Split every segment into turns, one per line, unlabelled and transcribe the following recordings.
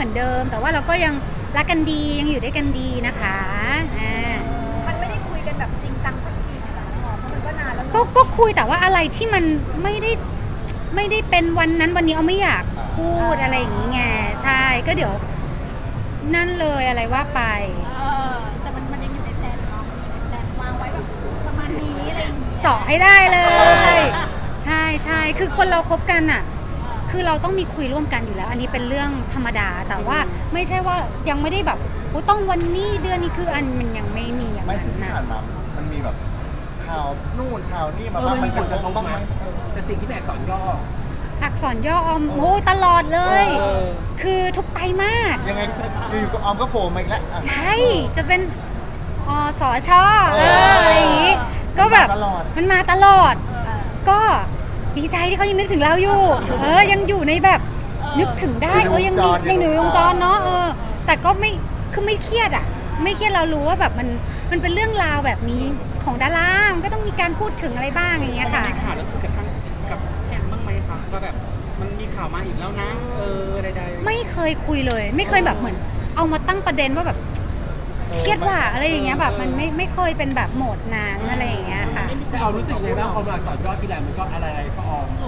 อนเดิม แต่ว่าเราก็ยังรักกันดียังอยู่ด้วยกันดีนะคะ
มันไม่ได้คุยกันแบบจริงจังสักทีนะคะเพราะมันก็นานแล้ว
ก็คุยแต่ว่าอะไรที่มันไม่ได้เป็นวันนั้นวันนี้เอาไม่อยากพูดอะไรอย่างงี้ไงใช่ก็เดี๋ยวนั่นเลยอะไรว่าไป
แต่มันยังอยู่ในแผนเนาะแผนวางไว้แบบประมาณนี้อะไรอย่างงี้
เจาะให้ได้เลยใช่คือคนเราคบกันอ่ะคือเราต้องมีคุยร่วมกันอยู่แล้ว อันนี้เป็นเรื่องธรรมดาแต่ว่าไม่ใช่ว่ายังไม่ได้แบบต้องวันนี้เดือนนี้คืออันมันยังไม่มีอย่าง
ไม่
นั้น
ซึ่งที่
นะ
ผ่านมามันมีแบบข่าวนู่นข่าวนี่มาบ้างมันเป็นบ้างไหม
แต่สิ่งที่แบกสอนย่อ
อักษรย่อออมโอ้ตลอดเลยคือทุกไตรมาส
ยังไงอยู่กับออมก็โผล่มาอีกแล้ว
ใช่จะเป็นสชอะไรอย่างงี้ก็แบบมันมาตลอดก็ดีใจที่เขายังนึกถึงเราอยู่ยังอยู่ในแบบนึกถึงได้ยังดียังอยู่วงจรเนาะแต่ก็ไม่คือไม่เครียดอ่ะไม่เครียดเรารู้ว่าแบบมันเป็นเรื่องราวแบบนี้ของดารามันก็ต้องมีการพูดถึงอะไรบ้างอย่างเงี้ยค่ะ
มีข่าวแล้วคุยกับแอมบ้างไหมคะว่าแบบมันมีข่าวมาอีกแล้วนะใดๆ
ไม่เคยคุยเลยไม่เคยแบบเหมือนเอามาตั้งประเด็นว่าแบบเครียดว่าอะไรอย่างเงี้ยแบบมันไม่เคยเป็นแบบโหมดนั้นอะไรอย่างเงี้ยค่ะ
แต่เอารู้สึกไงบ้างพอมาสอนย่อทีไรมันก็อะไรก็ออม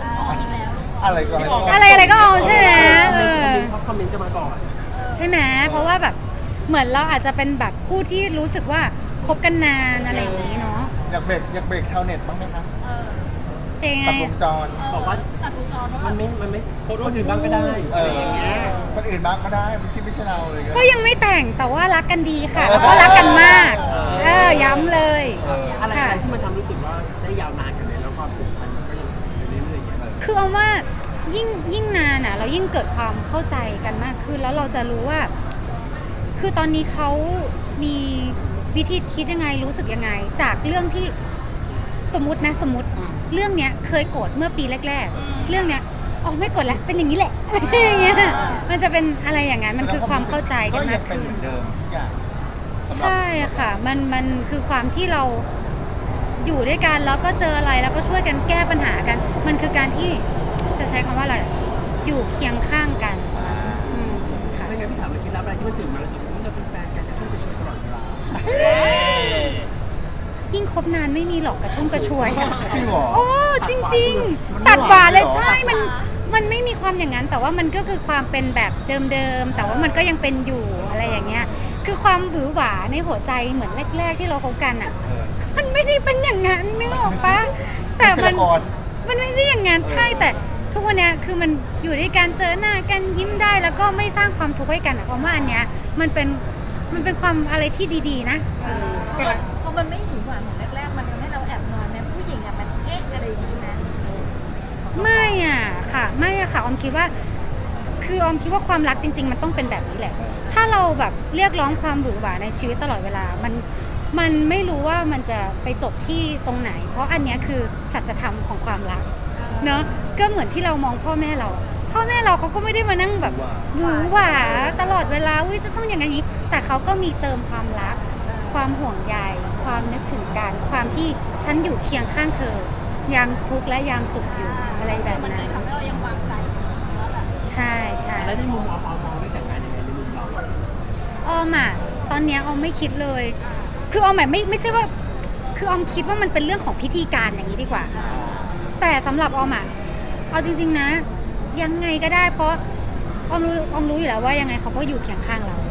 อะไรก็เอาใช่ไหม
คอมเมนต์จะมาก่อน
ใช่ไหมเพราะว่าแบบเหมือนเราอาจจะเป็นแบบผู้ที่รู้สึกว่าคบกันนานอะไรอย่างนี้เนาะ
อยากเบรกชาวเน็ตบ้างไหมคะ
เป็นไง
ตัดวงจร
บอกว่ามันไม่คนอื่นบ้างก็ได้อะไรอย่างเงี้ย
คนอื่นบ้างก็ได้ที่ไม่ใช่เราเลย
ก็ยังไม่แต่งแต่ว่ารักกันดีค่ะแล้วก็รักกันมากย้ำเลย
อะไรที่มันทำรู้สึกว่าได้ยาวนานกันเลยแล้วความผูกพันก็ยังเรื่อยๆ
คือเอาว่ายิ่งนานอ่ะเรายิ่งเกิดความเข้าใจกันมากขึ้นแล้วเราจะรู้ว่าคือตอนนี้เขามีวิธีคิดยังไงรู้สึกยังไงจากเรื่องที่สมมติเรื่องเนี้ยเคยโกรธเมื่อปีแรกๆเรื่องเนี้ยไม่โกรธแล้วเป็นอย่างนี้แหละอะไรอย่างเงี้ยมันจะเป็นอะไรอย่างนั้นมันคือความเข้าใจกันมากขึ้นใช่ค่ะมันคือความที่เราอยู่ด้วยกันแล้วก็เจออะไรแล้วก็ช่วยกันแก้ปัญหากันมันคือการที่จะใช้คำว่าอะไรอยู่เคียงข้างกัน
ค่ะไม่งั้นพี่ถามเลยคิดรับอะไรที่มันตื่นมาแล้วสมมติเราเป็นแฟนกันจะช่วยไปช่วยตลอดเวลา
ยิ่งคบนานไม่มีหรอกกระชุ่มกระชวย
จริงเหรอ
จริงๆตัดหวานเลยใช่มันไม่มีความอย่างนั้นแต่ว่ามันก็คือความเป็นแบบเดิมๆแต่ว่ามันก็ยังเป็นอยู่อะไรอย่างเงี้ยคือความหวือหวาในหัวใจเหมือนแรกๆที่เราคบกันอ่ะมันไม่ได้เป็นอย่างนั้นนึกออกปะแต่มันไม่ใช่อย่างนั้นใช่แต่ทุกวันนี้คือมันอยู่ด้วยกันเจอหน้ากันยิ้มได้แล้วก็ไม่สร้างความทุกข์ให้กันเพราะว่าอันเนี้ยมันเป็นความอะไรที่ดีๆนะ
เพราะมันไม่หวือหวาเหมือนแรกๆมันทำให้เราแอบนอนนะผู้หญิงมันอะไรอย่างนี้นะ
ไม่ค่ะออมคิดว่าคือออมคิดว่าความรักจริงๆมันต้องเป็นแบบนี้แหละถ้าเราแบบเรียกร้องความหวือหวาในชีวิตตลอดเวลามันไม่รู้ว่ามันจะไปจบที่ตรงไหนเพราะอันนี้คือสัจธรรมของความรักเนาะก็เหมือนที่เรามองพ่อแม่เราเขาก็ไม่ได้มานั่งแบบหวือหวาตลอดเวลาจะต้องอย่างนี้แต่เขาก็มีเติมความรักความห่วงใยความนึกถึงกันความที่ฉันอยู่เคียงข้างเธอยามทุกข์และยามสุขอยู่อะไรแบบนั้น
ทำให้เรายังวางใจ
ใช่
แล้วในมุมออมมองได้แต่งงานยังไงในมุมเรา
ออมตอนนี้ออมไม่คิดเลยคือออมไม่ใช่ว่าคือออมคิดว่ามันเป็นเรื่องของพิธีการอย่างนี้ดีกว่าแต่สำหรับออมเอาจริงๆนะยังไงก็ได้เพราะออมรู้อยู่แล้วว่ายังไงเขาก็อยู่เคียงข้างเรา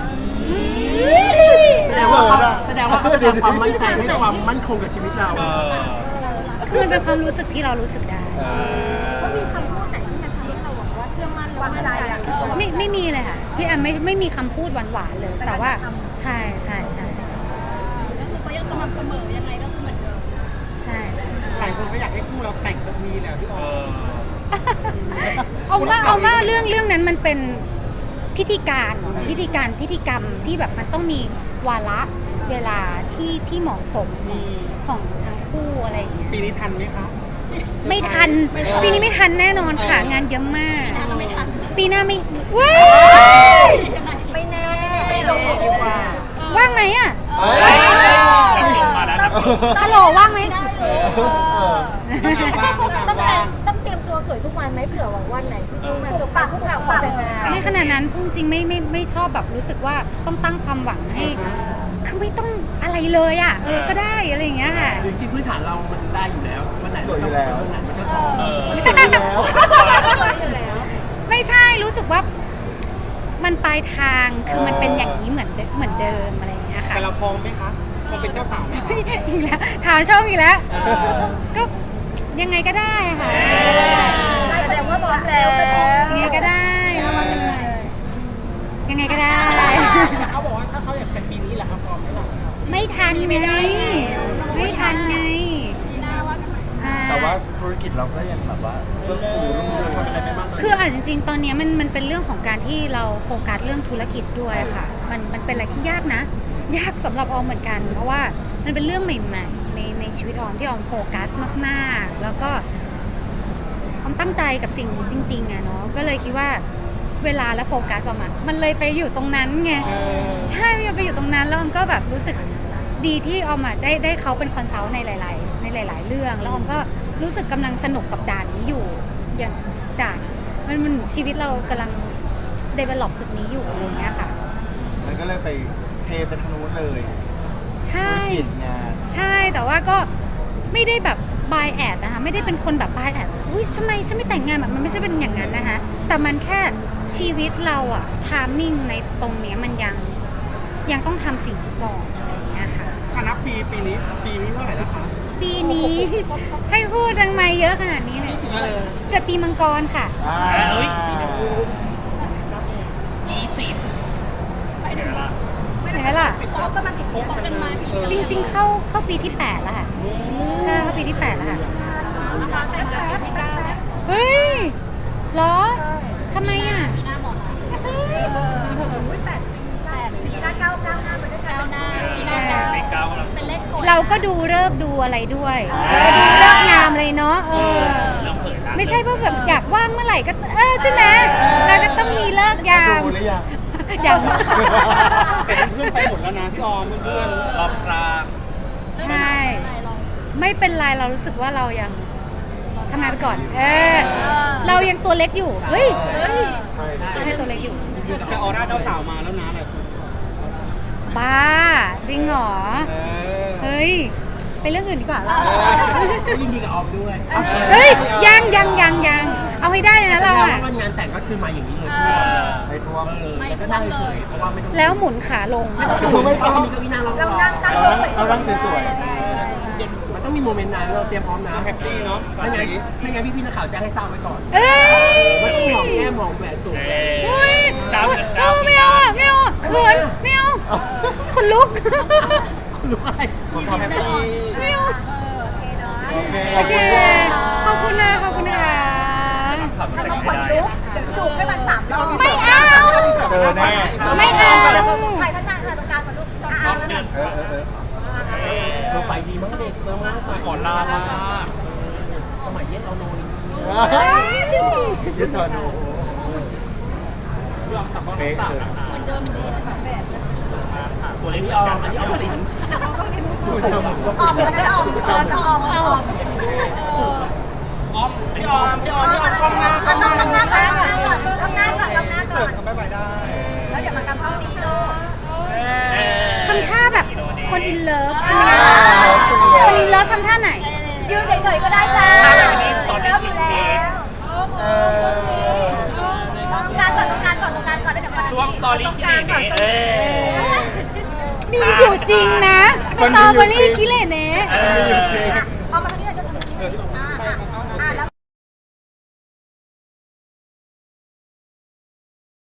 แสดงว่าเขาจะทำความมั่นใจให้ความมั่นคงกับชีวิตเรา
คือมันเป็นความรู้สึกที่เรารู้สึกได้
เขามีคำพูดไหนที่มันทำให้เราบอกว่าเชื่อมั่นวางใจ
ไม่มีเลยค่ะพี่แอมไม่มีคำพูดหวานๆเลยแต่ว่าใช่
ก็คือเขายังสม่ำเสมอยังไงก็คือเหมือนเดิม
ใช่
หลายคนก็อยากให้คู่เราแต่งสักทีแหละพี่
เอาว่าเรื่องนั้นมันเป็นพิธีกรรมที่แบบมันต้องมีวาระเวลาที่เหมาะสมของทั้งคู่อะไรอย่างเงี้ย
ปีนี้ทันไหมคะ
ไม่ทันปีนี้ไม่ทันแน่นอนค่ะงานเยอะมากปีหน้าไม่ว้าย
ไม่แน่
ว่างไหมฮัลโหลว่างไหม
ต้องเตรียมตัวสวยทุกวันไหมเผื่อวันไหนที่ต้องมาสบปากผู้ข่าวแต่งงาน
ขนาดนั้นพูดจริงไม่ชอบแบบรู้สึกว่าต้องตั้งความหวังให้คือไม่ต้องอะไรเลยอ่ะก็ได้อะไรอย่างเงี้ยค่ะ
จริงๆพื้นฐานเรามันได้อยู่แล้ววันไหน
สวยอยู่แล้ว
วันไหนมันก็ต้อง
สวยอยู่แล้ว
ไม่ใช่รู้สึกว่ามันปลายทางคือมันเป็นอย่างนี้เหมือนเดิมอะไรอย่างเงี้ยค่ะ
แต่เราพร้อมไหมคะพร้อมเป็นเจ้าสาวไหมคะ
อีกแล้วถามช่องอีกแล้ว ก็ยังไงก็ได้ค่ะ
แสดงว่าพร้อมแล้ว
ยังไงก็ได้ ยังไงก็ได้
เขาบอกว่าถ้าเขาอยากเป็นปีนี้แหละครับพร้อมไหมล่ะ
ไม่ทันไงไม่ทันไงใช่
แต่ว่าธุรกิจเราก็ยังแบบว่าเพิ่มฟูรุ่งเรือง
ทำอะไรไปบ้าง
คือจริงๆ ตอนนี้มันเป็นเรื่องของการที่เราโฟกัสเรื่องธุรกิจด้วยค่ะ มันเป็นอะไรที่ยากนะ ยากสำหรับออมเหมือนกัน เพราะว่ามันเป็นเรื่องใหม่ๆในชีวิตออมที่ออมโฟกัสมากๆ แล้วก็ออมตั้งใจกับสิ่งนี้จริงๆอะเนาะ ก็เลยคิดว่าเวลาและโฟกัสออมอะมันเลยไปอยู่ตรงนั้นไง ใช่มันไปอยู่ตรงนั้นแล้วออมก็แบบรู้สึกดีที่ออมอะได้เขาเป็นคอนซัลท์ในหลายๆเรื่อง แล้วออมก็รู้สึกกำลังสนุกกับด่านนี้อยู่ อย่างด่านมันชีวิตเรากำลัง develop จุดนี้อยู่อะไรอย่างเงี้ยค่ะ
มันก็เลยไปเทไปทางนู้นเลย
ใช่
ธุรกิจงาน
ใช่แต่ว่าก็ไม่ได้แบบ by ad นะคะไม่ได้เป็นคนแบบ by ad อุ้ยทำไมฉันไม่แต่งงานแบบมันไม่ใช่เป็นอย่างนั้นนะคะแต่มันแค่ชีวิตเราอะ timing ในตรงเนี้ยมันยังต้องทำสิ่งนี้ก่อนอะไรอย่างเงี้ยค่ะ
ถ้านับปีนี้เท่าไหร่แล้วคะ
ปีนี้ ให้พูดทำไมเยอะขนาดนี้เลยเกิดปีมังกรค่ะ เห็นไหมล่ะ
ประมาณกี่ปีเป็นมาปี
จริงๆ เข้าปีที่ 8 แล้วค่ะ ใช่ เข้าปีที่ 8 แล้วค่ะ
นะคะแต่งงานปีหน้าแล้ว
เฮ้ยเหรอทำไมอ่ะ
ปีหน้าหมดแล้วปีหน้าก้าวหน้าไปด้วยกันก้าวหน้าปีหน้าก้าวเป็นเลขกด
เราก็ดูเลิกษ์ดูอะไรด้วย เลิกงามเลยเนาะไม่ใช่ว่าแบบอยากว่างเมื่อไหร่ก็ใช่ไหมเราก็ต้องมีเลิกยาม
ดูหรือยัง
อย่าง
แต่เพื่อนไปหมดแล้วนะพี่ออมเพื่อนๆรอบรา
ใช่ไม่เป็นไรเรารู้สึกว่าเรายังทำงานไปก่อน เรายังตัวเล็กอยู่เฮ้ย
ใช่
ใช่ตัวเล็กอยู่
แต่ออร่าเจ้าสาวมาแล้วนะแบบ
บ้าจริงเหรอ เฮ้ยไปเรื่องอื่นดีกว่าเรา
ก็ยินดีกับออมด้วย
เฮ้ยยังเอาให้ได้เลยนะเรา
แสดง
อะ
ว่างานแต่งก็คือมาอย่างนี้เลย
ไม่ท่วม
แล้วก็นั่งเฉยๆเพราะว่าไม่ต้อง
แล้วหมุนขาลง
ไม่ต้องมีเก้าอี้นั่งรอ
เรานั่งตั้ง
เรานั่งสวย
มันต้องมีโมเมนต์นั้นเราเตรียมพร้อมนะ
แฮปปี้เนาะ
ไม่งั้นพี่นักข่าวจะให้ทราบไว้ก่อน
เอ้ย
ว่าต้องหอมแก้มหอมแหวนสูง
อุ้ยไม่เอาอะไม่เอาอะเขินไม่เอาคนลุก
รู้อะไร
ๆคนทำ
แฮป
ดี
ปี้
ไม่เอา
โอเคเนาะ
โอเคข
โอ
อบ
เค
คุณ
ขอบคุณนะคะ
ถ้าต้องคนลุกเดี๋ยวจูบให้มัน3 รอบ
ไม่เอา
เจอแน่
ไม่เอา
ใครข้างหน้าตรงกลางก่อนลูกเอาแล้วเนี่ย
เราไฟดีมากเด็กมากก่อนลามาสมัยเย็นเอาโนน
ยืดสอนดูเป๊ะเลย
ตัวเล็กนี่ออมอันนี้ออมสิน
ดูจมูกก็
ออกมันไม่ออกต้องออก
พี่ออมกล้องหน้า
ต้องทำหน้าก่อนทำหน้าก่อน
เสิร์ฟเขาไปได้
แล้วเดี๋ยวมากำเข้านี้ลูก
ทำท่าแบบคนอินเลิฟคนอินเลิฟทำท่าไหน
ยืนเฉยๆก็ได้จ้าเริ่มอยู่แล้วตรงกลางก่อนแล้วเดี๋ยวมาช่วงสตอรี่ที่ไหน
มีอยู่จริงนะสตรอเบอรี่คิเลเนะ
มีอยู่จริง